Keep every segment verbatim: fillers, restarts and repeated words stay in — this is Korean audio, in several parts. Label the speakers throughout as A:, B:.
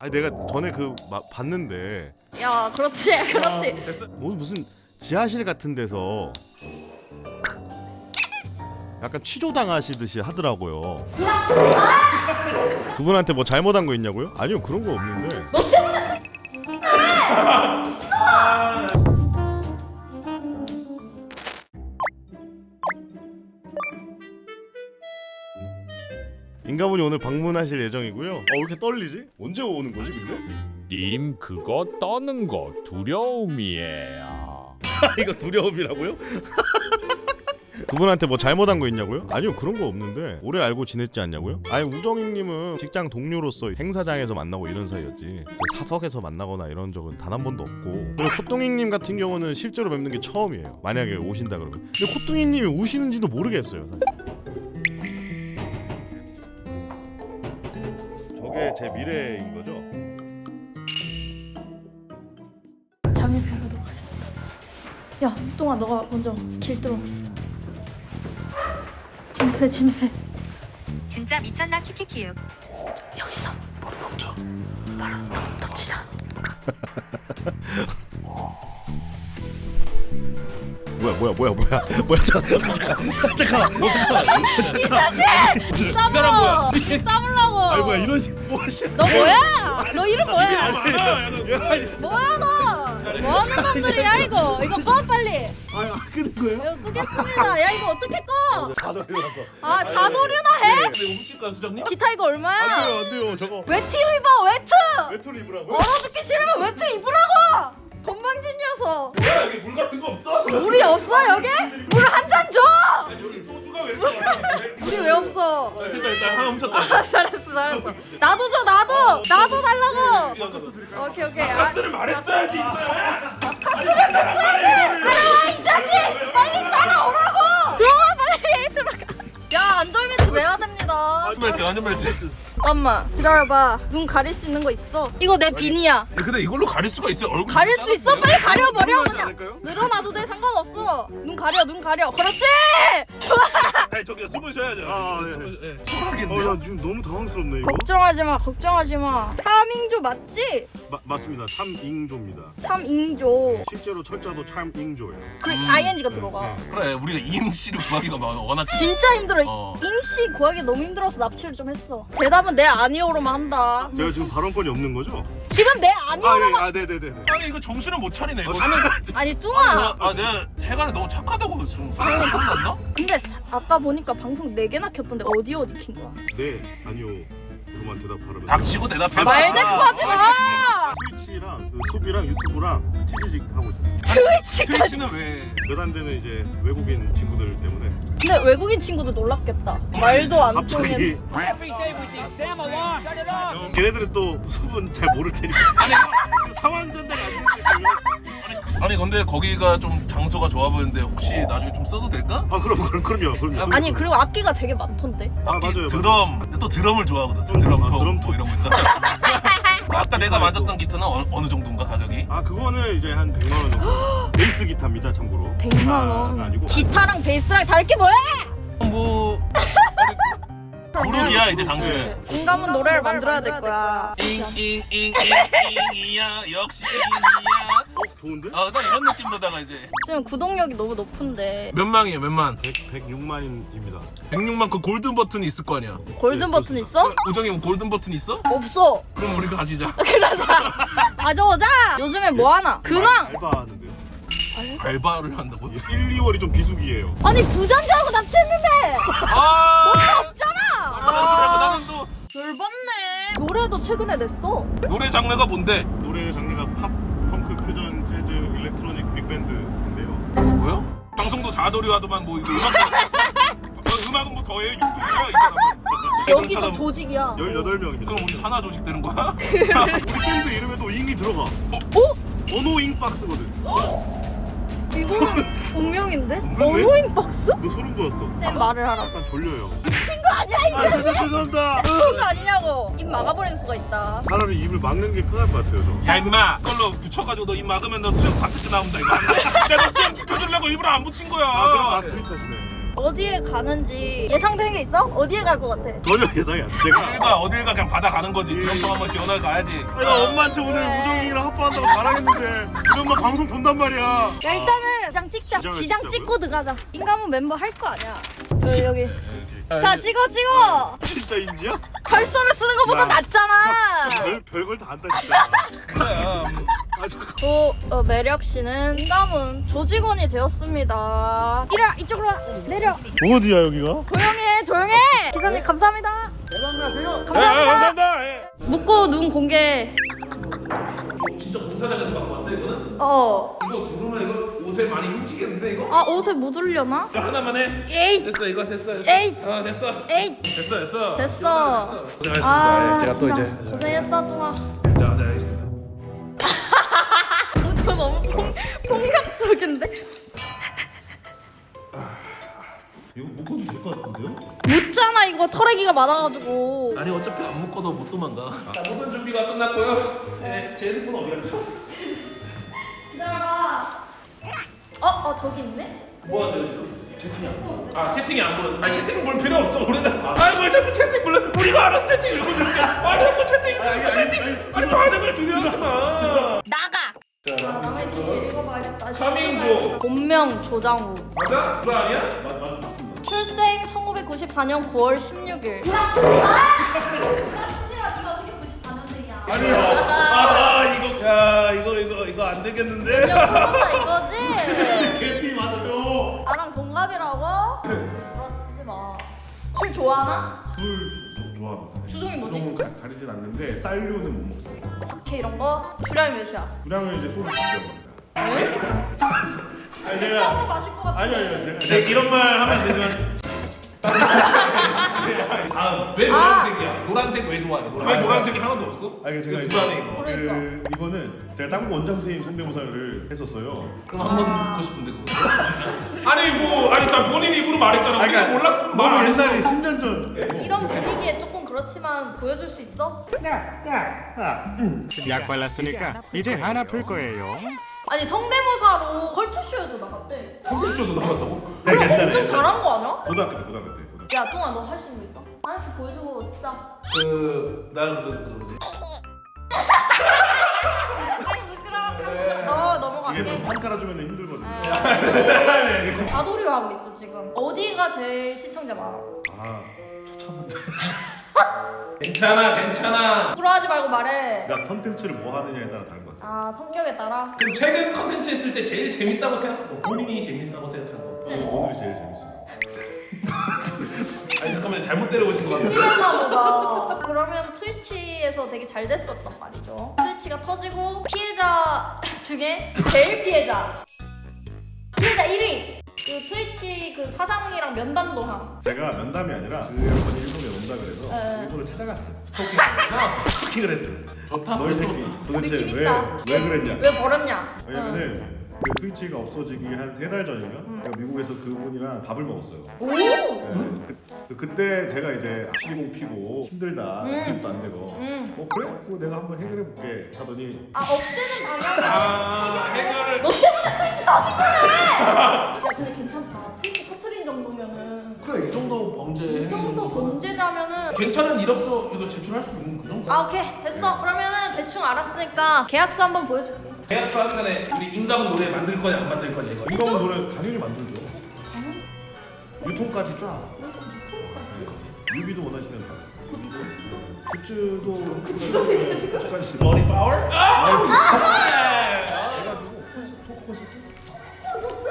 A: 아니 내가 전에 그 마, 봤는데
B: 야 그렇지 그렇지.
A: 아, 뭐 무슨 지하실 같은 데서 약간 취조당하시듯이 하더라고요. 그분한테 뭐 잘못한 거 있냐고요? 아니요 그런 거 없는데.
B: 너 때문에.
A: 인가분이 오늘 방문하실 예정이고요. 어, 왜 이렇게 떨리지? 언제 오는 거지 근데?
C: 님 그거 떠는 거 두려움이에요.
A: 이거 두려움이라고요? 그분한테 뭐 잘못한 거 있냐고요? 아니요 그런 거 없는데 오래 알고 지냈지 않냐고요? 아니 우정익님은 직장 동료로서 행사장에서 만나고 이런 사이였지 그 사석에서 만나거나 이런 적은 단 한 번도 없고. 그리고 코뚱이님 같은 경우는 실제로 뵙는 게 처음이에요. 만약에 오신다 그러면. 근데 코뚱이님이 오시는지도 모르겠어요 사실. 저게 제 미래인 거죠?
B: 잠입해보도록 하겠습니다. 야 똥아 너가 먼저 길 뚫어. 진입해 진입해.
D: 진짜 미쳤나 키키키육.
B: 여기서 바로 덮쳐. 바로 덮, 덮치자.
A: 뭐야 뭐야 뭐야 뭐야 뭐야 잠깐 잠깐 잠깐
B: 이 자식! 땀으로! 이 땀을라고!
A: 아니 뭐야 이런 식 뭐하시?
B: 너 뭐야? 너 이름 뭐야? 뭐야 너? 뭐하는 놈들이야 이거? 이거 꺼 빨리!
A: 아니 안 끄는 거예요?
B: 이거 끄겠습니다. 야 이거 어떻게 꺼?
A: 사도리라서.
B: 아 자도류나 해?
A: 근데 훔칠까 수장님?
B: 기타 이거 얼마야?
A: 안 돼요 안 돼요 저거.
B: 외투 입어 외투!
A: 외투를 입으라고요?
B: 얼어 죽기 싫으면 외투 입으라고! 건방진 녀석!
A: 뭐야 여기 물 같은 거 없어?
B: 물이 없어 여기? 물 한 잔 줘!
A: 아니 여기 소주가 왜 이렇게 많아?
B: 물이 왜 없어?
A: 일단 일단 하나 훔쳤다.
B: 아 잘했어 잘했어. 나도 줘 나도! 나도 달라고! 오케이 오케이. 아,
A: 카스를 말했어야지.
B: 카스를 줬어야지! 따라와 이 자식! 빨리 따라오라고! 들어가 빨리 들어가. 야 안전벨트 매야 됩니다.
A: 안전벨트 안전벨트.
B: 잠깐만 기다려봐. 눈 가릴 수 있는 거 있어? 이거 내 비니야.
E: 근데 이걸로 가릴 수가 있어요? 얼굴
B: 가릴 수 있어? 빨리 가려버려 그냥.
A: 않을까요?
B: 늘어나도 돼 상관없어. 눈 가려 눈 가려. 그렇지!
E: 아니 저기 숨을 쉬어야죠.
A: 아, 네.
E: 숨을- 예.
A: 어, 나 지금 너무 당황스럽네 이거.
B: 걱정하지 마 걱정하지 마. 타밍조 맞지?
A: 마, 맞습니다. 참잉조입니다.
B: 참잉조.
A: 실제로 철자도 참잉조예요.
B: 그 아이엔지가 들어가.
E: 그래 우리가 이응씨를 구하기가 막 워낙
B: 진짜 힘들어.
E: 어.
B: 잉씨 구하기 너무 힘들어서 납치를 좀 했어. 대답은 내 아니오로만 한다.
A: 제가 지금 발언권이 없는 거죠?
B: 지금 내
A: 아, 네,
B: 아니오로만.
A: 아, 네, 네, 네. 네.
E: 아니 이거 정신을 못 차리네 이거.
B: 아니 아니 뚱아.
E: 아 내가 세간에 너무 착하다고 좀 소문이 났나?
B: 근데 사- 아까 보니까 방송 네 개나 켰던데 어디 어디 킨 거야?
A: 네, 아니요. 그만 대답하라면.
E: 닥치고 대답해봐.
B: 말대꾸하지 마.
A: 트위치랑 그 수비랑 유튜브랑 치즈직 하고 있어요.
B: 트위치까지.
E: 트위치는 왜?
A: 몇 안 되는 이제 외국인 친구들 때문에
B: 근데 외국인 친구도 놀랐겠다. 말도 안 통해.
A: 갑자기 걔네들은 또 수분 잘 모를 테니까 아니 그 상황 전달이 안 되지.
E: 아니 근데 거기가 좀 장소가 좋아 보이는데 혹시 나중에 좀 써도 될까?
A: 아 그럼 그럼 그럼요 그럼요.
B: 아니 그리고 악기가 되게 많던데.
A: 아 맞아요.
E: 드럼. 근데 또 드럼을 좋아하거든. 드럼
A: 아,
E: 통,
A: 드럼
E: 통 이런 거 있잖아. 아까 내가 만졌던 기타는 어느, 어느 정도인가 가격이?
A: 아 그거는 이제 한 백만 원 정도. 베이스 기타입니다 참고로.
B: 백만
A: 기타가
B: 원.
A: 아니고.
B: 기타랑 베이스랑 다를 게 뭐야?
E: 뭐 그룹이야 이제 당신은.
B: 인간은 노래를 만들어야 될 거야.
E: 잉잉잉잉잉이야 역시 잉이야.
A: 어 좋은데?
E: 아나 이런 느낌으로다가 이제
B: 지금 구독력이 너무 높은데
E: 몇 망이에요 몇 만?
A: 백 백육만입니다.
E: 백육만 그 골든 버튼 있을 거 아니야.
B: 골든
A: 네,
B: 버튼 있어?
E: 우정이 형 골든 버튼 있어?
B: 없어.
E: 그럼 우리 가지자.
B: 그러자. 가져오자. 요즘에 뭐 하나? 근황.
A: 알바하는데요.
E: 알바를 한다고?
A: 일, 이월이 좀 비수기예요.
B: 아니 부잔자하고 납치했는데.
E: 아
B: 없잖아.
E: 그러고 나는 또
B: 열받네. 노래도 최근에 냈어.
E: 노래 장르가 뭔데?
A: 노래 장르가 팝, 펑크, 퓨전, 재즈, 일렉트로닉, 빅밴드인데요.
E: 뭐요? 방송도 사도류 하더만 뭐 이거 음악 어, 음악은 뭐 더해 유튜브야 이 사람은.
B: 여기도
E: 사람.
B: 조직이야.
A: 열여덟 명입니다.
E: 그럼 우리 산하 조직 되는 거야?
A: 우리 밴드 이름에도 잉이 들어가. 어?
B: 어?
A: 언어잉 박스거든.
B: 이거는 본명인데?
A: 그러네?
B: 언어인 박스?
A: 너 소름 돋았어.
B: 내 말을 하라.
A: 약간 졸려요.
B: 친구 아니야 이
A: 아,
B: 자식.
A: 죄송합니다.
B: 친구 아니냐고. 입 막아버리는 수가 있다.
A: 차라리 입을 막는 게 편할 것 같아요. 저.
E: 야 임마 그걸로 붙여가지고 너 입 막으면 너 수영 파트트 나온다 이거. 내가 수영 지켜주려고 일부러 안 붙인 거야.
A: 아, 그럼 아 트윗하시네.
B: 어디에 가는지 예상되는 게 있어? 어디에 갈 것 같아?
A: 전혀 예상이 안 돼. 제가
E: 어딜 가 어딜 가 그냥 바다 가는 거지. 드럼통 한번 시원하게 가야지.
A: 아니, 나 엄마한테 오늘
B: 그래.
A: 우정이랑 합방한다고 자랑했는데 우리 엄마 방송 본단 말이야.
B: 야 일단은 지장 찍자.
A: 지장을
B: 지장
A: 찍자고요?
B: 찍고 들어가자. 인감은 멤버 할 거 아니야. 여기 여기. 자 찍어 찍어.
A: 진짜 인지야?
B: 컬서를 쓰는 것보다
A: 야.
B: 낫잖아.
A: 별, 별걸 다 한다 진짜.
E: 그래.
A: 아, 잠깐.
B: 조 어, 매력 씨는 인감은 조직원이 되었습니다. 이리 와 이쪽으로 와. 내려.
A: 어디야 여기가?
B: 조용해 조용해. 기사님 감사합니다.
A: 대박나세요.
B: 감사합니다.
E: 예.
B: 묻고 눈 공개.
E: 진짜 공사장에서 갖고 왔어 이거는?
B: 어.
E: 이거 두르면 이거 옷에 많이 훔치겠는데 이거?
B: 아 옷에 묻으려나?
E: 이거 하나만 해.
B: 에이
E: 됐어 이거 됐어. 됐어.
B: 에이.
E: 어 됐어.
B: 에이
E: 됐어 됐어.
B: 됐어.
E: 고생하셨습니다.
B: 아,
E: 예, 제가 또
B: 진짜
E: 이제
B: 고생했다 동아.
E: 자 앉아 있습니다.
B: 저 너무 폭, 폭력적인데?
E: 이거 묶어도 될 것 같은데요?
B: 묻잖아 이거 털레기가 많아가지고.
E: 아니 어차피 안 묶어도 못 도망가. 자 모든 준비가 끝났고요. 네, 제 핸드폰 어디 갔죠?
B: 기다려봐. 어? 어 저기 있네?
E: 뭐 하세요 지금? 채팅이 안 보여. 아 채팅이 안 보여서. 아 채팅 볼 필요 없어. 우리는. 아뭘 자꾸 채팅 불러? 우리가 알아서 채팅 읽어줄게. 아니 자꾸 채팅. 아, 채팅. 아니 반응을 두려워하지 마.
B: 나가! 자 남의 길 읽어봐야겠다.
E: 차민조.
B: 본명 조장우.
E: 맞아? 그거 아니야?
A: 맞, 맞, 맞습니다.
B: 출생 천구백구십사 년 구월 십육일. 불합치지 마! 불합치지 마. 네가 어떻게 구십사 년생이야?
E: 아니요. 아 이거 야 이거 이거 이거 안 되겠는데?
B: 몇년 풀었다 이거지?
A: 개띠 맞아요.
B: 나랑 동갑이라고? 불합치지 마. 술 좋아하나?
A: 술 조- 좋아합니다.
B: 주종이 뭐지?
A: 주종은 가, 가리진 않는데 쌀류는 못 먹습니다.
B: 사케 이런 거? 주량이 몇이야?
A: 주량은 이제 소주 드셔봅니다.
B: 왜?
A: 아니
B: 짱으로
A: 제가
B: 마실 것 같아.
A: 아니 아니요 제가
E: 네, 이런 말 하면 안 되지만. 다음 왜
B: 아.
E: 노란색이야? 노란색 왜 좋아해? 노란색. 왜 노란색이 하나도 없어?
A: 아니 제가
E: 이거
A: 이제
E: 불안해 이거.
B: 그러니까.
A: 그 이거는 제가 짱구 원장 선생님 성대모사를 했었어요.
E: 그럼 한번 듣고 싶은데 그거. 아니 뭐 아니 자 본인 입으로 말했잖아.
A: 아니,
E: 우리가
A: 그러니까
E: 몰랐으면 말
A: 너무
E: 안 했어.
A: 옛날에 십 년 전.
B: 이런 분위기에 조금 그렇지만 보여줄 수 있어?
F: 약 발랐으니까 이제 안 아플 거예요.
B: 아니 성대모사로 컬투쇼에도 나갔대.
E: 컴퓨터쇼도 나갔다고?
A: 네,
B: 그럼
A: 옛날에
B: 엄청 잘한 거 아니야?
A: 고등학교 때 고등학교 때 고등학교
B: 야 동아 너 할 수 있는 거 있어? 하나씩 보여주고 진짜.
E: 그나 그래서 그러지.
B: 아 부끄러워. 너
A: 때. 이게 좀
B: 넘어갈게.
A: 판 깔아주면 힘들거든요.
B: 아, 다도류 하고 있어 지금. 어디가 제일 시청자 많아?
A: 아 처참한데.
E: 괜찮아 괜찮아.
B: 부끄러워하지 말고 말해.
A: 그러니까 컨텐츠를 뭐 하느냐에 따라 다른 것 같아요.
B: 아 성격에 따라.
E: 그럼 최근 컨텐츠 했을 때 제일 재밌다고 생각하고 본인이 재밌다고 생각하는 거.
A: 오늘이 제일 재밌어요.
E: 아니 잠깐만 잘못 데려오신 거 같아.
B: 심했나 보다. 그러면 트위치에서 되게 잘 됐었단 말이죠. 트위치가 터지고 피해자 중에 제일 피해자. 피해자 일 위. 그 트위치 그 사장이랑 면담도 함.
A: 제가 면담이 아니라 그 한번 일본에 온다 그래서
B: 네.
A: 일본을 찾아갔어요.
E: 스토킹 아니야?
A: 스토킹을 했어요.
E: 좋다.
A: 너희 새끼
E: 벌써부터.
A: 도대체
B: 느낌
A: 왜,
B: 있다.
A: 왜 그랬냐?
B: 왜 버렸냐?
A: 왜냐면은 그 트위치가 없어지기 한 세 달 전인가? 제가 미국에서 그분이랑 밥을 먹었어요.
B: 오.
A: 네, 그, 그때 제가 이제 시리공 피고 힘들다,
B: 음.
A: 스텝도 안 되고
B: 음.
A: 어 그래? 그거 내가 한번 해결해 볼게 하더니
B: 아 없애는 방향으로.
E: 아 해결을.
B: 너 때문에 트위치 터진 거네. 야 근데 괜찮다. 트위치 터트린 정도면은.
E: 그래 이 정도 범죄.
B: 이 정도 범죄자면은.
E: 괜찮은 이력서 이거 제출할 수 있는 그 정도.
B: 아 오케이 됐어. 그러면은 대충 알았으니까 계약서 한번 보여줄게.
E: 계약서 하기 전에 우리 인감은 노래 만들 거냐 안 만들 거냐 이거.
A: 인간 노래 당연히 만들죠. 유통까지 쫙. 뮤비도 원하시면 다. 굿즈도 굿즈까지.
E: 머리 파워?
A: 해가지고 토크 콘서트.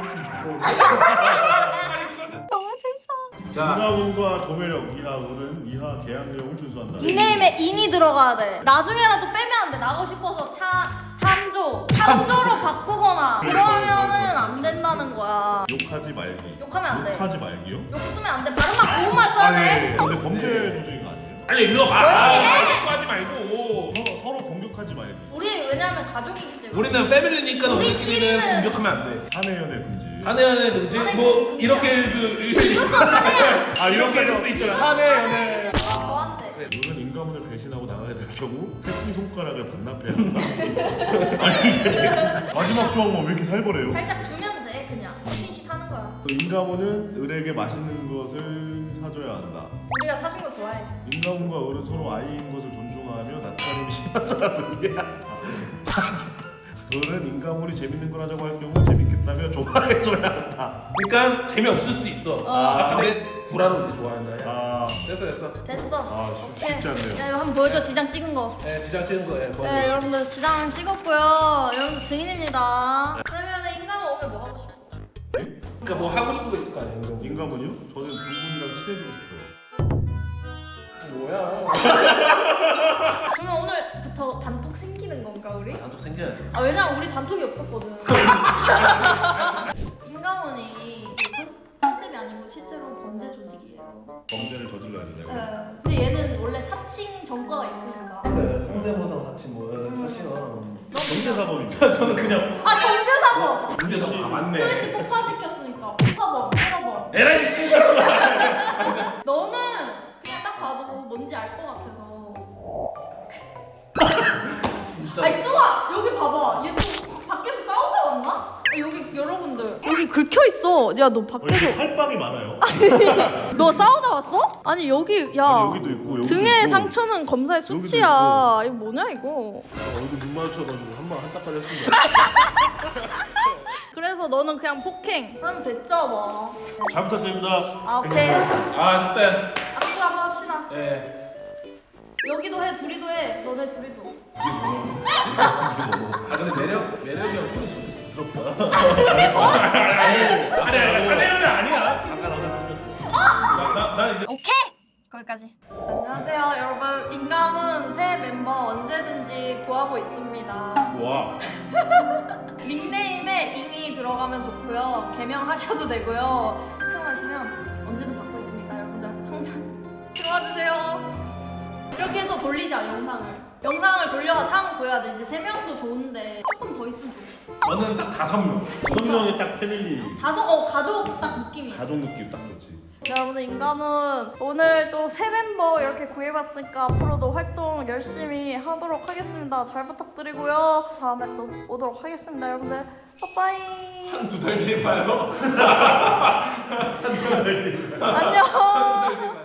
B: 너무 재밌어.
E: 자
A: 인가운과 조매력 이하우는 이하 계약 내용을 준수한다.
B: 닉네임에 인이 들어가야 돼. 나중에라도 빼면 안 돼. 나고 싶어서 차 참조 참조로 바꾸거나 그러면은 안 된다는 거야.
A: 욕하지 말기.
B: 욕하면 안 돼.
A: 욕하지 말기요?
B: 욕 쓰면 안 돼. 발음만 고운말 써야
A: 아니,
B: 돼.
A: 근데 범죄 조직인 거 아니에요?
E: 아니 이거 봐.
B: 조용히 해!
E: 아, 하지 말고.
A: 서로, 서로 공격하지 말기.
B: 우리 왜냐면 가족이기 때문에.
E: 우리는 패밀리니까
B: 우리끼리는
E: 우리끼리는 공격하면 안 돼.
A: 사내 연애 금지.
E: 사내 연애 금지?
B: 사내
E: 뭐
B: 연애 금지야.
E: 이렇게 그
A: 아 이렇게 될수 있잖아. 사내 연애.
B: 아, 저한테.
A: 너는 인간문을 배신하고 나가게 될 경우 새끼 손가락을 반납해야 한다. 아니 이게 지금 마지막 조항만 왜 이렇게 살벌해요?
B: 살짝 주면 돼 그냥. 스킨십 하는 거야.
A: 인가모는 을에게 맛있는 것을 사줘야 한다.
B: 우리가 사신 거 좋아해.
A: 인가모과 을은 서로 아이인 것을 존중하며 낯가림이 심한 사람들이야. 을은 인가모이 재밌는 걸 하자고 할 경우 재밌겠다며 좋아해줘야 한다.
E: 그러니까 재미없을 수도 있어.
B: 어.
E: 아 근데 구라로 이제 좋아한다. 야.
A: 아,
E: 됐어 됐어.
B: 됐어.
A: 아 쉽-
B: 오케이.
A: 쉽지 않네요.
B: 야, 이거 한번 보여줘. 지장 찍은 거.
E: 네 지장 찍은 거. 예. 뭐.
B: 네, 여러분들 지장 찍었고요. 여러분들 증인입니다. 그러면은 인가모 오면 뭐 하고 싶어?
E: 그러니까 뭐 하고 싶은 거 있을 거 아니야 이거.
A: 인가모요? 저는 두 분이랑 친해지고 싶어요.
E: 뭐야?
B: 그러면 오늘부터 단톡 생기는 건가 우리?
E: 단톡 생겨야지.
B: 아 왜냐면 우리 단톡이 없었거든. 인가모니 컨셉이 아니고 실제로 범죄 조직이에요.
A: 범죄를 저질러야 된다.
B: 네. 근데 얘는 원래 사칭 전과가 있으니까.
E: 그래 성대모사 같이 뭐 사실은.
A: 범죄 사범입니다.
E: 저는 그냥
B: 아 경제사범.
E: 문제가 아 맞네.
B: 트위치 폭파시켰으니까 폭파범, 테러범.
E: 에라이 미친 사람아.
B: 너는 그냥 딱 봐도 뭔지 알 것 같아서.
E: 진짜.
B: 아니 쪼아 여기 봐봐. 얘 또 밖에서 싸우다 왔나? 아, 여기 여러분들 여기 긁혀 있어. 야 너 밖에서
A: 활빵이 많아요.
B: 너 싸우다 왔어? 아니 여기 야
A: 아니, 여기도 있고 여기도
B: 등의
A: 있고.
B: 상처는 검사의
A: 여기도
B: 수치야. 이거 뭐냐 이거.
E: 얼굴 눈 마주쳐가지고 한번 한따까지 했습니다.
B: 그래서 너는 그냥 폭행 하면 됐죠 뭐.
A: 잘 부탁드립니다.
B: 아 오케이.
E: 아 됐다.
B: 악수 한번 합시다.
E: 예.
B: 여기도 해 둘이도 해. 너네 둘이도.
E: 아 근데 매력 매력이 형 소리 좀 부드럽다. 아니야 아니야 사내연애 아니야.
A: 아까 나가 주셨어.
E: 나나 이제
B: 오케이. 거기까지. 안녕하세요 여러분. 인감은 새 멤버 언제든지 구하고 있습니다.
A: 와.
B: 닉네임에 잉이 들어가면 좋고요. 개명하셔도 되고요. 신청하시면 언제든 받고 있습니다. 여러분들 항상 들어와 주세요. 이렇게 해서 돌리자 영상을. 영상을 돌려가 상을 보여야 돼. 이제 세 명도 좋은데 조금 더 있으면 좋겠다.
E: 저는 딱 다섯 명.
A: 여섯 명이 딱 패밀리
B: 다섯 어 가족 딱 느낌이야.
A: 가족 느낌 딱 좋지.
B: 네, 여러분들 인감은 오늘 또 새 멤버 이렇게 구해봤으니까 앞으로도 활동 열심히 하도록 하겠습니다. 잘 부탁드리고요. 다음에 또 오도록 하겠습니다. 여러분들 빠빠이.
E: 한 두 달 뒤에 봐요.
B: 안녕.